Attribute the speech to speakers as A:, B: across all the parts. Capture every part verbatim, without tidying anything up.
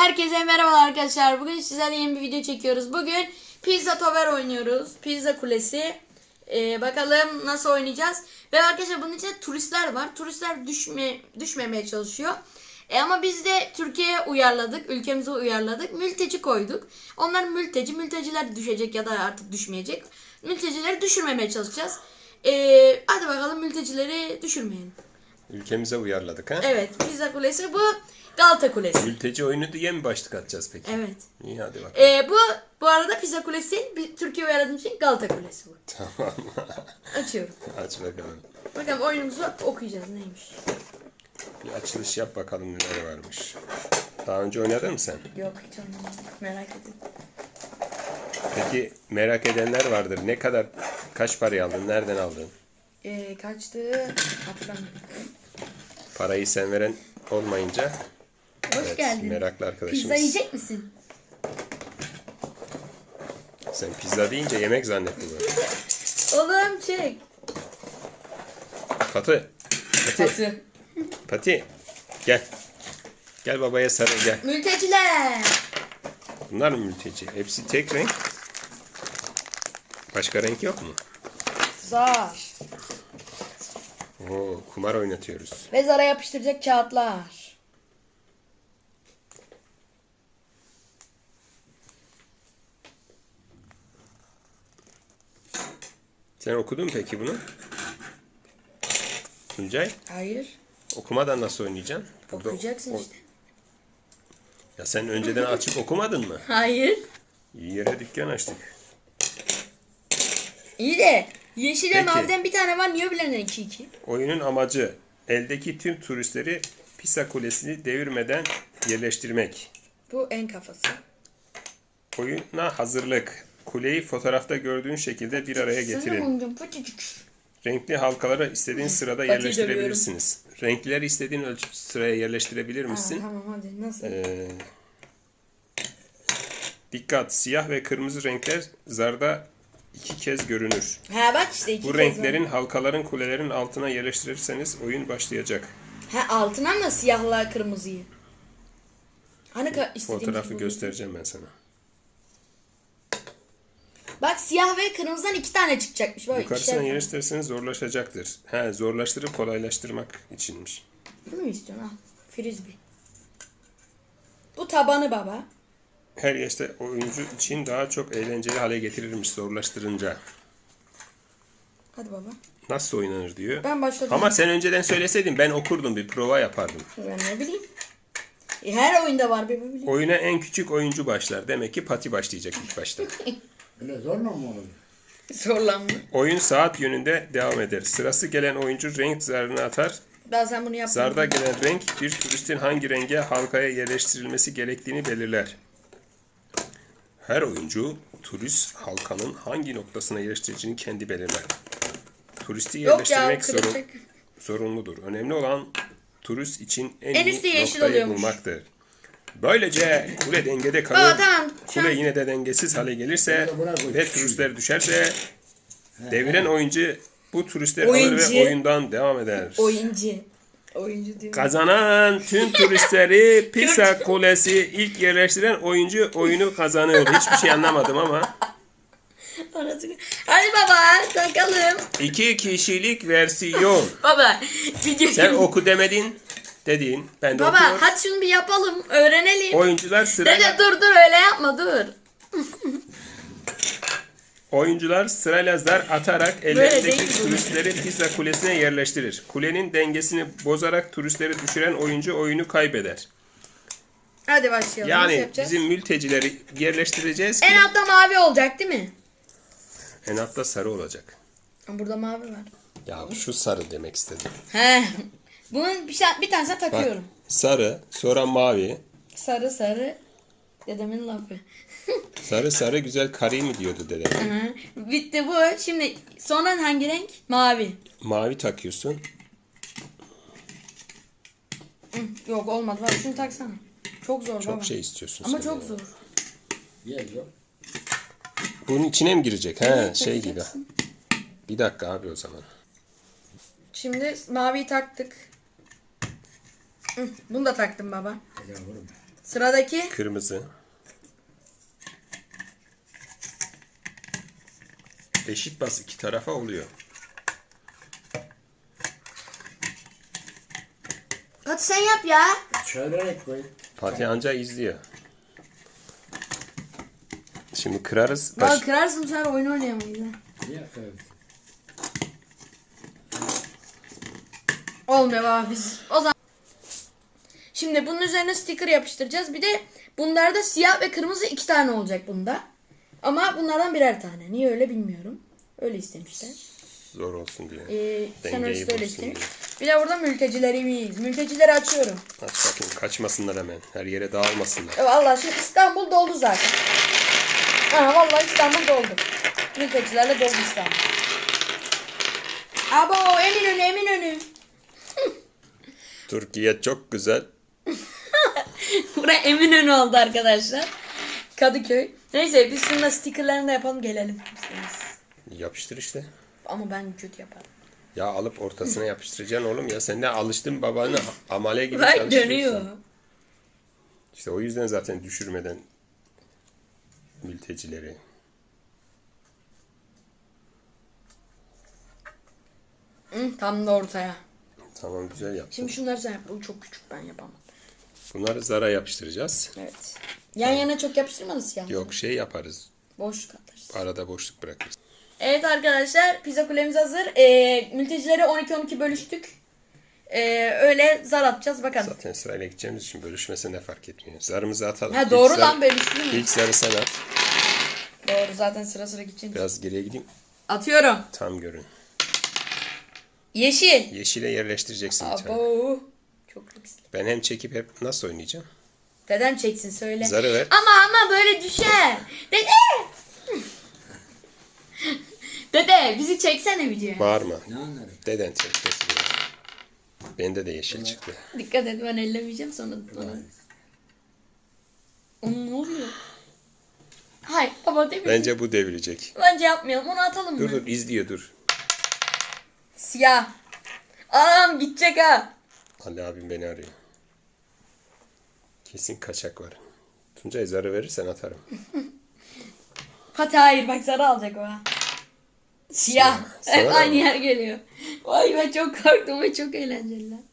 A: Herkese merhabalar arkadaşlar. Bugün sizlerle yeni bir video çekiyoruz. Bugün Pizza Tower oynuyoruz. Pizza Kulesi. Ee, bakalım nasıl oynayacağız. Ve arkadaşlar bunun içinde turistler var. Turistler düşme, düşmemeye çalışıyor. E ama biz de Türkiye'ye uyarladık. Ülkemize uyarladık. Mülteci koyduk. Onlar mülteci. Mülteciler düşecek ya da artık düşmeyecek. Mültecileri düşürmemeye çalışacağız. Ee, hadi bakalım mültecileri düşürmeyelim.
B: Ülkemize uyarladık ha?
A: Evet. Pizza Kulesi bu. Galata Kulesi.
B: Mülteci oyunu diye mi başlık atacağız peki?
A: Evet.
B: İyi hadi bakalım.
A: Ee, bu bu arada Pizza Kulesi değil, bir Türkiye uyarladığım için Galata Kulesi bu.
B: Tamam.
A: Açıyorum.
B: Aç bakalım.
A: Bakalım oyunumuzu okuyacağız neymiş.
B: Bir açılış yap bakalım neler varmış. Daha önce oynadın mı sen?
A: Yok hiç anlamadım. Merak edin.
B: Peki merak edenler vardır. Ne kadar, kaç parayı aldın? Nereden aldın?
A: Ee, kaçtı? Hatırlamıyorum.
B: Parayı sen veren olmayınca.
A: Hoş
B: Evet,
A: geldin.
B: meraklı arkadaşımız.
A: Pizza yiyecek misin?
B: Sen pizza deyince yemek zannettin mi?
A: Oğlum çek.
B: Patı. Pati.
A: Atı.
B: Pati. Gel. Gel babaya sarıl gel.
A: Mülteciler.
B: Bunlar mı mülteci? Hepsi tek renk. Başka renk yok mu?
A: Zar.
B: Oo, kumar oynatıyoruz.
A: Ve zara yapıştıracak kağıtlar.
B: Sen okudun mu peki bunu? Tuncay,
A: Hayır.
B: okumadan nasıl oynayacaksın? Burada
A: Okuyacaksın
B: o-
A: işte.
B: Ya sen önceden açıp okumadın mı?
A: Hayır.
B: İyi yere dükkan açtık.
A: İyi de yeşil ve
B: Peki.
A: maviden bir tane var. Niye bilen iki iki?
B: Oyunun amacı eldeki tüm turistleri Pisa Kulesi'ni devirmeden yerleştirmek.
A: Bu en kafası.
B: Oyuna hazırlık. Kuleyi fotoğrafta gördüğün şekilde bir araya getirin. Renkli halkaları istediğin sırada
A: Patiyi
B: yerleştirebilirsiniz. Renkleri istediğin ölçü sıraya yerleştirebilir
A: Aa,
B: misin?
A: tamam hadi nasıl?
B: Ee, dikkat! Siyah ve kırmızı renkler zarda iki kez görünür.
A: Ha bak işte iki
B: Bu
A: kez
B: renklerin
A: var.
B: halkaların kulelerin altına yerleştirirseniz oyun başlayacak.
A: Ha altına mı siyahla kırmızıyı? Hani ka- istediğimiz
B: Fotoğrafı
A: gibi.
B: göstereceğim ben sana.
A: Bak siyah ve kırmızıdan iki tane çıkacakmış. Böyle
B: Yukarısına
A: ikişer tane.
B: yerleştirirseniz zorlaşacaktır. He, zorlaştırıp kolaylaştırmak içinmiş.
A: Bunu mu istiyorsun? Al. Frisbee. Bu tabanı baba.
B: Her yaşta oyuncu için daha çok eğlenceli hale getirilmiş zorlaştırınca.
A: Hadi baba.
B: Nasıl oynanır diyor.
A: Ben başladım.
B: Ama sen önceden söyleseydin ben okurdum, bir prova yapardım.
A: Ben ne bileyim. E, her oyunda var bir bileyim.
B: Oyuna en küçük oyuncu başlar. Demek ki Pati başlayacak ilk başta.
C: Öyle zorla mı olur?
A: Zorlanma.
B: Oyun saat yönünde devam eder. Sırası gelen oyuncu renk zarını atar.
A: Ben sen bunu yapma.
B: Zarda gelen renk bir turistin hangi renge halkaya yerleştirilmesi gerektiğini belirler. Her oyuncu turist halkanın hangi noktasına yerleştireceğini kendi belirler. Turisti
A: Yok ya
B: yerleştirmek zorun,
A: kıracak.
B: zorunludur. Önemli olan turist için en,
A: En
B: iyi
A: üstü yeşil
B: noktayı
A: oluyormuş.
B: bulmaktır. Böylece kule dengede kalır.
A: Aa tamam. Şu
B: Kule
A: an
B: yine de dengesiz hale gelirse
C: Buna koy.
B: ve turistler düşerse deviren oyuncu bu turistleri alır
A: Oyuncu.
B: ve oyundan devam eder.
A: oyuncu. Oyuncu diyor.
B: Kazanan tüm turistleri Pisa Kulesi ilk yerleştiren oyuncu oyunu kazanır. Hiçbir şey anlamadım ama.
A: Anasını- Hadi baba takalım.
B: İki kişilik versiyon.
A: Baba video.
B: Sen oku demedin. Dedin. Ben de
A: Baba
B: okuyorum.
A: hadi şunu bir yapalım. Öğrenelim.
B: Oyuncular
A: Dede
B: sırayla
A: dur dur öyle yapma dur.
B: oyuncular sırayla zar atarak
A: değil
B: ellerindeki
A: bu.
B: turistleri Pisa Kulesi'ne yerleştirir. Kulenin dengesini bozarak turistleri düşüren oyuncu oyunu kaybeder.
A: Hadi başlayalım. Nasıl
B: Yani
A: yapacağız?
B: bizim mültecileri yerleştireceğiz ki
A: En altta mavi olacak değil mi?
B: en altta sarı olacak.
A: Burada mavi var.
B: Ya şu sarı demek istedim.
A: He. Bunun bir, şey, bir tanesine
B: Bak,
A: takıyorum.
B: sarı, sonra mavi.
A: Sarı sarı. Dedemin lafı.
B: Sarı sarı güzel karı mı diyordu dede.
A: Hı. Bitti bu. Şimdi sonra hangi renk? Mavi.
B: Mavi takıyorsun.
A: Hı, yok olmadı. Bak şunu taksana. Çok zor
B: Çok
A: baba.
B: şey istiyorsun
A: Ama
B: sen
A: çok
B: ya.
A: zor.
C: Yer yok.
B: Bunun içine mi girecek? He,
A: Evet,
B: şey gibi.
A: takacaksın.
B: Bir dakika abi o zaman.
A: Şimdi maviyi taktık. Hı, bunu da taktım baba.
C: Yavrum.
A: Sıradaki.
B: Kırmızı. Eşit bas iki tarafa oluyor.
A: Hadi sen yap ya.
C: Çevirerek koy.
B: Fatih anca izliyor. Şimdi kırarız.
A: Bak
B: Baş...
A: kırarsın sen oyun oynayamayız ha.
C: Niye kırdın?
A: Olmuyor baba biz. O zaman. Şimdi bunun üzerine sticker yapıştıracağız. Bir de bunlarda siyah ve kırmızı iki tane olacak bunda. Ama bunlardan birer tane. Niye öyle bilmiyorum. Öyle istemişler.
B: Zor olsun diye.
A: Ee,
B: Dengeyi
A: senarist öyle
B: bozsun
A: istemiş.
B: diye.
A: Bir de burada mültecilerimiz. Mültecileri açıyorum.
B: Aç bakayım kaçmasınlar hemen. Her yere dağılmasınlar.
A: E, vallahi şimdi İstanbul doldu zaten. Ha, vallahi İstanbul doldu. Mültecilerle doldu İstanbul. Abo Eminönü Eminönü.
B: Türkiye çok güzel.
A: Buraya Eminönü oldu arkadaşlar. Kadıköy. Neyse biz şununla stickerlarını da yapalım gelelim.
B: Yapıştır işte.
A: Ama ben kötü yaparım.
B: Ya alıp ortasına yapıştıracaksın oğlum ya. Sen de alıştın babanı amale gibi
A: Bak
B: çalışıyorsun.
A: dönüyor.
B: İşte o yüzden zaten düşürmeden mültecileri.
A: Hı, tam da ortaya.
B: Tamam güzel yaptın.
A: Şimdi şunları sen yap. Bu çok küçük ben yapamam.
B: Bunları zara yapıştıracağız.
A: Evet. Yan yana çok yapıştırmadı siyah.
B: Yok şey yaparız.
A: Boş atarız.
B: Arada boşluk bırakırız.
A: Evet arkadaşlar pizza kulemiz hazır. Ee, mültecileri on iki on iki bölüştük. Ee, öyle zar atacağız bakalım.
B: Zaten sırayla gideceğimiz için bölüşmesi ne fark etmiyor. Zarımızı atalım.
A: Ha doğru
B: İlk
A: lan
B: zar-
A: bölüştü mü?
B: İlk zarı sen at.
A: Doğru zaten sıra sıra gideceğiz.
B: Biraz geriye gideyim.
A: Atıyorum.
B: Tam görün.
A: Yeşil.
B: Yeşile yerleştireceksin bir tane.
A: Abo. Çok lüks.
B: Ben hem çekip hep nasıl oynayacağım?
A: Deden çeksin söyle.
B: Zarı ver.
A: Ama ama böyle düşer. Dede. Dede bizi çeksene videoya.
B: Bağırma.
C: Ne anlarım?
B: Deden çekmesin ya. Bende de yeşil çıktı.
A: Dikkat et ben ellemeyeceğim sonra. sonra. Oğlum ne oluyor? Hayır baba değil mi? Bence,
B: Bence bu devirecek.
A: Bence yapmayalım onu atalım
B: Dur
A: mı?
B: dur izliyor dur.
A: Siyah. Anam gidecek ha.
B: Ali abim beni arıyor. Kesin kaçak var. Tuncay zarı verirsen atarım.
A: Fatih hayır bak sarı alacak o ha. Siyah.
B: Siyah.
A: Hep
B: Sana
A: aynı
B: mı?
A: yer geliyor. Vay ben çok korktum ve çok eğlenceli lan.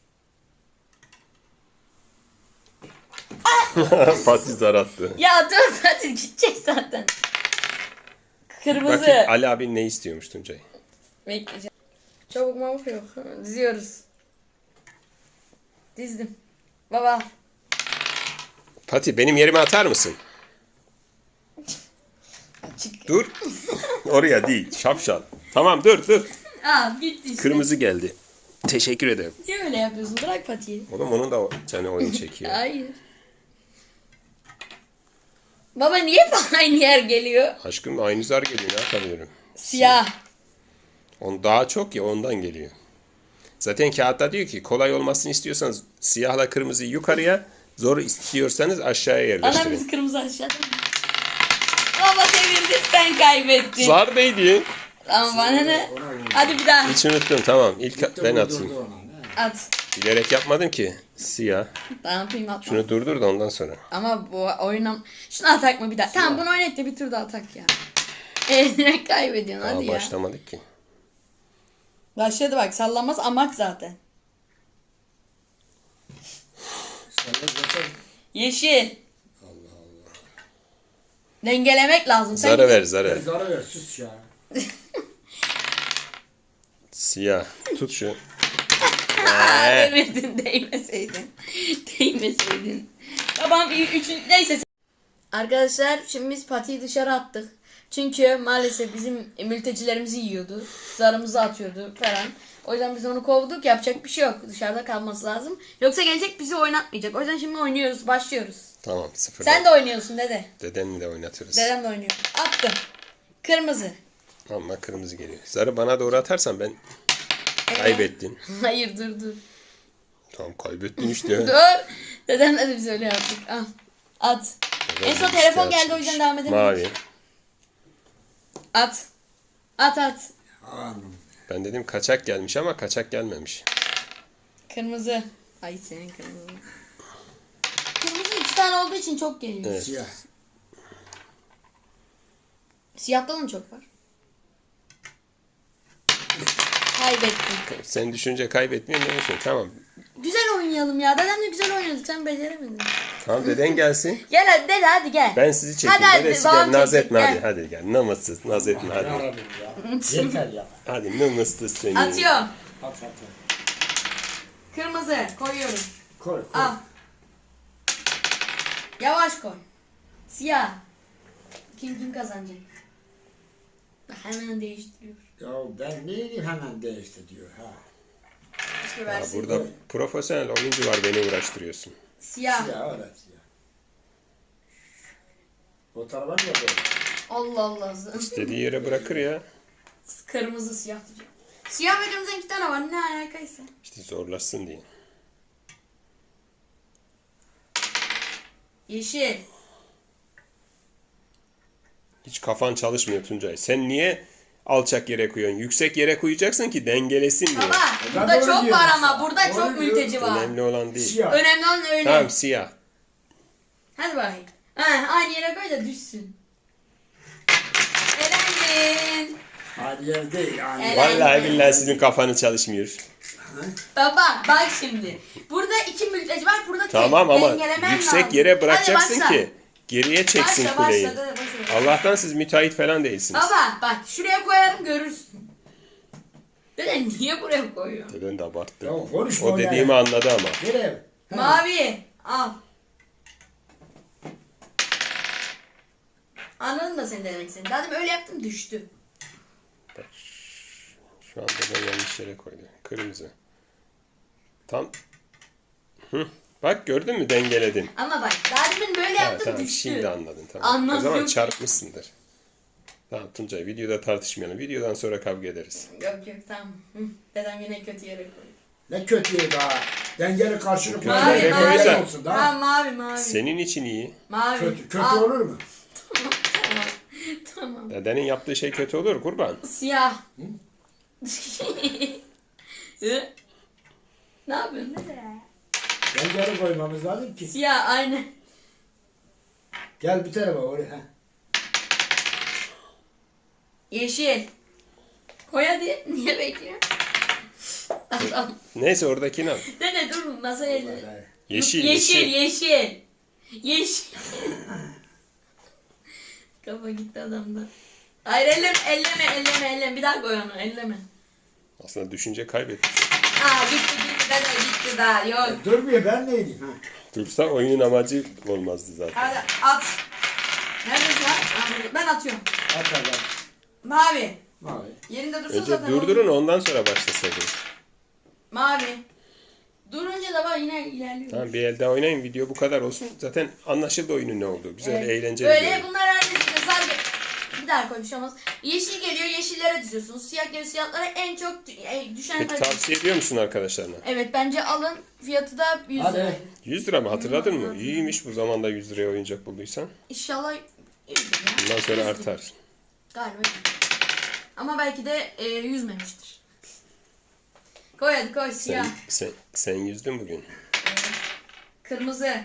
B: Fatih zar attı.
A: Ya dur Fatih gidecek zaten. Kırmızı.
B: Bakayım Ali abin ne istiyormuş Tuncay.
A: Bekleyeceğim. Çabuk mabuk yok. Diziyoruz. Dizdim. Baba.
B: Fatih benim yerime atar mısın?
A: Açık.
B: Dur. Oraya değil. Şapşal. Tamam dur dur.
A: Aa gitti işte.
B: Kırmızı geldi. Teşekkür ederim.
A: Niye öyle yapıyorsun? Bırak Fatih'i.
B: Oğlum onun da canı oyun çekiyor.
A: Hayır. Baba niye hep aynı yer geliyor?
B: Aşkım aynı zar geliyor ne yapamıyorum.
A: Siyah.
B: On daha çok ya ondan geliyor. Zaten kağıtta diyor ki kolay olmasını istiyorsanız siyahla kırmızıyı yukarıya, zor istiyorsanız aşağıya
A: Anam
B: yerleştirin.
A: biz kırmızı aşağıda mı? Baba devirdin sen kaybettin.
B: Zar neydi?
A: Tamam bana ne? Hadi bir daha.
B: Hiç unuttum tamam. İlk
C: Gitti,
B: ben
C: vurdurdu
B: atayım.
C: ona, ne?
A: At.
B: Bilerek yapmadım ki. Siyah.
A: Tamam yapayım atma.
B: Şunu durdur da ondan sonra.
A: Ama bu oyunum... Şunu atak mı bir daha? Tamam bunu oynet de bir tur daha atak ya. Eline kaybediyorsun
B: Daha
A: hadi ya.
B: başlamadık ki.
A: Başladı bak sallanmaz amak zaten.
C: Sana zaten
A: Yeşil. Dengelemek lazım. Sen
B: Zarı ver
C: ver
B: zarı.
C: zarı ver sus ya.
B: Siyah. Tut şu.
A: Aa,
B: Ee.
A: devirdin değmeseydin. Değmeseydin. Babam üçün neyse. Arkadaşlar şimdi biz patiyi dışarı attık. Çünkü maalesef bizim mültecilerimizi yiyordu. Zarımızı atıyordu falan. O yüzden biz onu kovduk. Yapacak bir şey yok. Dışarıda kalması lazım. Yoksa gelecek bizi oynatmayacak. O yüzden şimdi oynuyoruz. Başlıyoruz.
B: Tamam sıfırdan.
A: Sen de oynuyorsun dede.
B: Dedenle de oynatırız.
A: Dedem de oynuyor. Attım. Kırmızı.
B: Ama kırmızı geliyor. Zarı bana doğru atarsan ben kaybettin.
A: Hayır dur dur.
B: Tamam kaybettin işte.
A: Dur. Dedemle de biz öyle yaptık. Al. At. En son
B: işte
A: telefon geldi o
B: açmış.
A: yüzden devam edemedik.
B: Mavi.
A: At. At at.
C: Anam.
B: Ben dedim kaçak gelmiş ama kaçak gelmemiş.
A: Kırmızı. Ay senin kırmızı. Kırmızı tane olduğu için çok geliyor.
B: Evet.
C: Siyah.
A: Siyahta da mı çok var? Kaybettim.
B: Sen düşünce kaybetmiyor musun? Tamam.
A: Güzel oynayalım ya. Dedemle güzel oynadık. Sen beceremedin.
B: Tamam deden gelsin.
A: Gel hadi dede hadi gel.
B: Ben sizi çekeyim.
A: Hadi, hadi,
B: Dedesi
A: babam
B: gel. Naz
A: çekecek,
B: etme hadi.
A: gel.
B: Hadi gel. Namussuz. Naz etme hadi.
C: Yarabbim ya. Yeter ya.
B: Hadi namussuz seni.
A: Atıyorum.
C: At at at.
A: Kırmızı koyuyorum.
C: Koy koy.
A: Al. Yavaş koy. Siyah. Kim kim kazanacak? Hemen değiştiriyor.
C: Ya ben neyini hemen değişti diyor ha.
A: İşte
B: Ya
A: versin.
B: burada profesyonel oyuncu var, beni uğraştırıyorsun.
A: Siyah.
C: Siyah öyle siyah. O tarafa mı yapıyor?
A: Allah Allah.
B: Dediği yere bırakır ya.
A: Kırmızı siyah diyeceğim. Siyah ve kırmızı iki tane var. Ne alakaysa.
B: İşte zorlaşsın diye.
A: Yeşil.
B: Hiç kafan çalışmıyor Tuncay. Sen niye alçak yere koyuyorsun? Yüksek yere koyacaksın ki dengelesin diye.
A: Baba
C: Ben
A: burada
C: doğru
A: çok
C: diyorum
A: var
C: işte.
A: ama burada
C: Doğru
A: çok
C: diyorum.
A: mülteci var.
B: Önemli olan değil.
C: Siyah.
A: Önemli olan öyle.
B: Tamam siyah.
A: Hadi bakayım. Ha, aynı yere koy da düşsün. Elendin.
C: Aynı yer değil. Aynı
A: Evet.
C: yer.
B: Vallahi billahi sizin kafanız çalışmıyor.
A: Baba bak şimdi. Burada iki mülteci var. Burada tek.
B: Tamam ama
A: Dengelemen
B: yüksek
A: lazım.
B: yere bırakacaksın
A: Hadi başla.
B: ki geriye çeksin
A: Başla
B: kuleyi.
A: başla. Başla, başla.
B: Allah'tan siz müteahhit falan değilsiniz.
A: Baba bak şuraya koyarım görürsün. Dede niye buraya koyuyor?
B: Deden de abarttı.
C: Ya konuşma
B: O
C: öyle.
B: dediğimi anladı ama.
C: Nereye? Ha.
A: Mavi al. Anladın da sen de demek istedin. Daha demin öyle yaptım düştü.
B: Şu anda da yanlış yere koydu. Kırmızı. Tam. Hı. Bak gördün mü, dengeledin.
A: Ama bak daha demin böyle
B: Ha,
A: yaptım
B: tamam
A: düştü.
B: şimdi anladın, tamam.
A: Anladım.
B: O zaman çarpmışsındır. Tamam Tuncay, videoda tartışmayalım. Videodan sonra kavga ederiz.
A: Yok yok tamam. Hı, dedem yine kötü yere koydu.
C: Ne kötüye daha. Dengeli karşılık.
B: Kötü
A: Mavi
B: yere
A: mavi.
B: koyacak.
C: olsun
A: Ha
C: daha.
A: mavi mavi.
B: Senin için iyi.
A: Mavi.
C: Kötü, kötü
A: Al.
C: olur mu?
A: Tamam. Tamam.
B: Dedenin yaptığı şey kötü olur kurban.
A: Siyah. Hı? Ne yapıyorsun dede?
C: Dengeli koymamız lazım ki.
A: Siyah aynı.
C: Gel bir tarafa oraya. Ha.
A: Yeşil. Koy hadi. Niye bekliyorsun? Adam.
B: Neyse oradakini al.
A: Dede dur masaya.
C: Vallahi.
B: Yeşil,
A: Yeşil,
B: yeşil.
A: yeşil. Yeşil. Kafa gitti adamda. Hayır elleme, elleme, elleme, elleme. Bir daha koy onu, elleme.
B: Aslında düşünce kaybetmiş.
A: Aa gitti gitti dede gitti daha yok.
C: Durmuyor ben neydim? Ha.
B: Dursa oyunun amacı olmazdı zaten.
A: Hadi at. Neredesin lan? Aa, burada. Ben atıyorum.
C: At at at.
A: Mavi.
C: Mavi.
A: Yerinde dursun
B: Önce
A: zaten.
B: durdurun,
A: olur.
B: ondan sonra başlasaydınız.
A: Mavi. Durunca da bak yine ilerliyor.
B: Tamam bir elde oynayın, video bu kadar olsun. Zaten anlaşıldı oyunun ne olduğu. Güzel,
A: Evet.
B: eğlenceli.
A: Böyle
B: bir oyun.
A: bunlar herkes sadece bir daha koy bir şey olmaz. Yeşil geliyor yeşillere diziyorsunuz. Siyah geliyor siyahlara en çok dü- e, düşen
B: Peki
A: kazanır.
B: tavsiye ediyor musun arkadaşlarına?
A: Evet bence alın. Fiyatı da yüz
C: Hadi.
A: liraydı.
B: yüz lira mı, hatırladın mı? İyiymiş bu zamanda yüz liraya oyuncak bulduysan.
A: İnşallah yüz lira.
B: Bundan sonra
A: yüz lira.
B: artar.
A: Galiba yüz lira. Ama belki de e, yüzmemiştir. Koy hadi koy siyah.
B: Sen, sen, sen yüzdün bugün.
A: Kırmızı.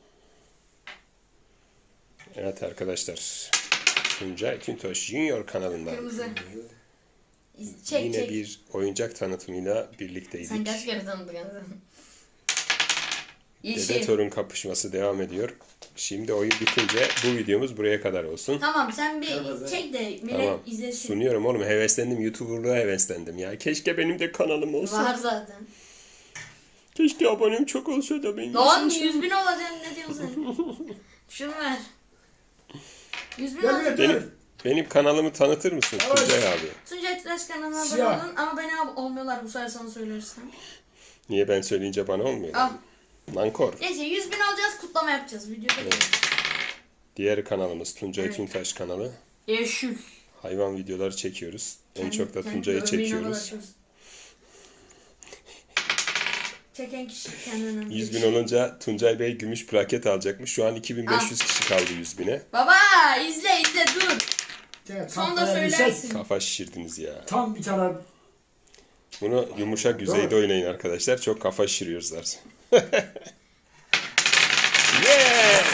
B: Evet arkadaşlar. Tuncay Tüntoş Junior kanalından
A: Kırmızı. İz- Çek
B: yine
A: çek.
B: bir oyuncak tanıtımıyla
A: Sen
B: birlikteydik.
A: kaç kere tanıdın sen?
B: Dede
A: Yeşil.
B: torun kapışması devam ediyor. Şimdi oyun bitince bu videomuz buraya kadar olsun.
A: Tamam sen bir
C: Kırmızı.
A: çek de millet
B: Tamam.
A: izlesin.
B: Sunuyorum oğlum, heveslendim. YouTuber'lığa heveslendim ya. Keşke benim de kanalım olsa.
A: Var zaten.
B: Keşke abonem çok olsa da ben
A: Lan
B: yüzüm-
A: yüz bin olacaksın ne diyorsun sen? Şunu ver. Yüz bin
C: Gel
A: olacak.
C: gel.
B: Benim, benim kanalımı tanıtır mısın
C: Evet.
B: Tuncay abi?
A: Tuncay Tıraş kanalına abone
C: Siyah.
A: olun ama beni ab- olmuyorlar bu sefer sana söylersem.
B: Niye ben söyleyince bana olmuyor?
A: Al.
B: Nankor.
A: Neyse yüz bin alacağız kutlama yapacağız videoda.
B: Diğer kanalımız Tuncay
A: Evet.
B: Tüntaş kanalı.
A: Yeşil.
B: Hayvan videoları çekiyoruz. En
A: Kendi-
B: çok da
A: kendi
B: Tuncay'ı
A: övmeyi ne kadar
B: çekiyoruz.
A: çok- Çeken kişi kendinden
B: yüz bin
A: bilir.
B: olunca Tuncay Bey gümüş plaket alacakmış. Şu an iki bin beş yüz kişi kaldı yüz bine.
A: Baba izle izle dur.
C: Gel,
A: Sonunda
C: tahtaya bir şey-
A: söylersin.
B: Kafa şişirdiniz ya.
C: Tam bir tane
B: Bunu yumuşak yüzeyde oynayın arkadaşlar. Çok kafa şişiriyoruz zaten. Yeah!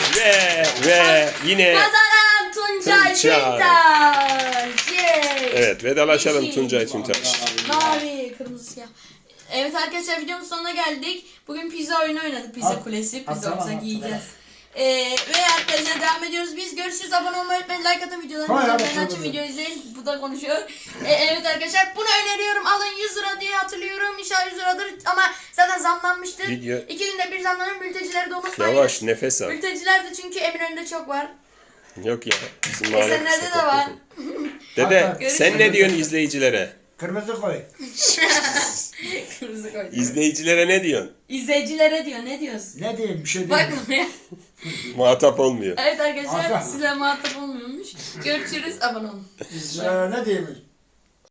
B: Ve yine
A: Kazanan Tuncay
B: Tuncay.
A: Tüntaş. Yay.
B: evet vedalaşalım
A: Yeşil.
B: Tuncay Tüntaş.
A: Mavi, kırmızı, siyah. Evet arkadaşlar videomuzun sonuna geldik. Bugün pizza oyunu oynadık. Pizza
C: At-
A: kulesi.
C: atsana,
A: Pizzamıza
C: atsana.
A: giyeceğiz. Ee, ve arkadaşlar devam ediyoruz. Biz görüşürüz. Abone olmayı unutmayın. Like atın videolarımızı.
C: Hayır,
A: Ben
C: bakalım.
A: açın video izleyin. Bu da konuşuyor. Ee, evet arkadaşlar bunu öneriyorum. Alın yüz lira diye hatırlıyorum. İnşallah yüz liradır ama zaten zamlanmıştır.
B: Video-
A: İki günde bir zamlanır. Mültecileri de unutmayın.
B: Yavaş nefes al.
A: Mülteciler de çünkü Eminönü'nde çok var.
B: Yok ya. Bizim mahalle
A: Esenler'de
B: kısa
A: de var.
B: topluyorsun. Dede sen ne diyorsun izleyicilere?
C: Kırmızı koy.
A: Kırmızı koydum.
B: İzleyicilere ne diyorsun?
A: İzleyicilere diyor. Ne diyorsun?
C: Ne diyeyim bir şey
A: Bak
C: diyeyim.
A: buraya.
B: Muhatap olmuyor.
A: Evet arkadaşlar
C: Hakan.
A: size muhatap olmuyormuş. Görüşürüz. Abone olun.
C: Ee, ne diyeyim?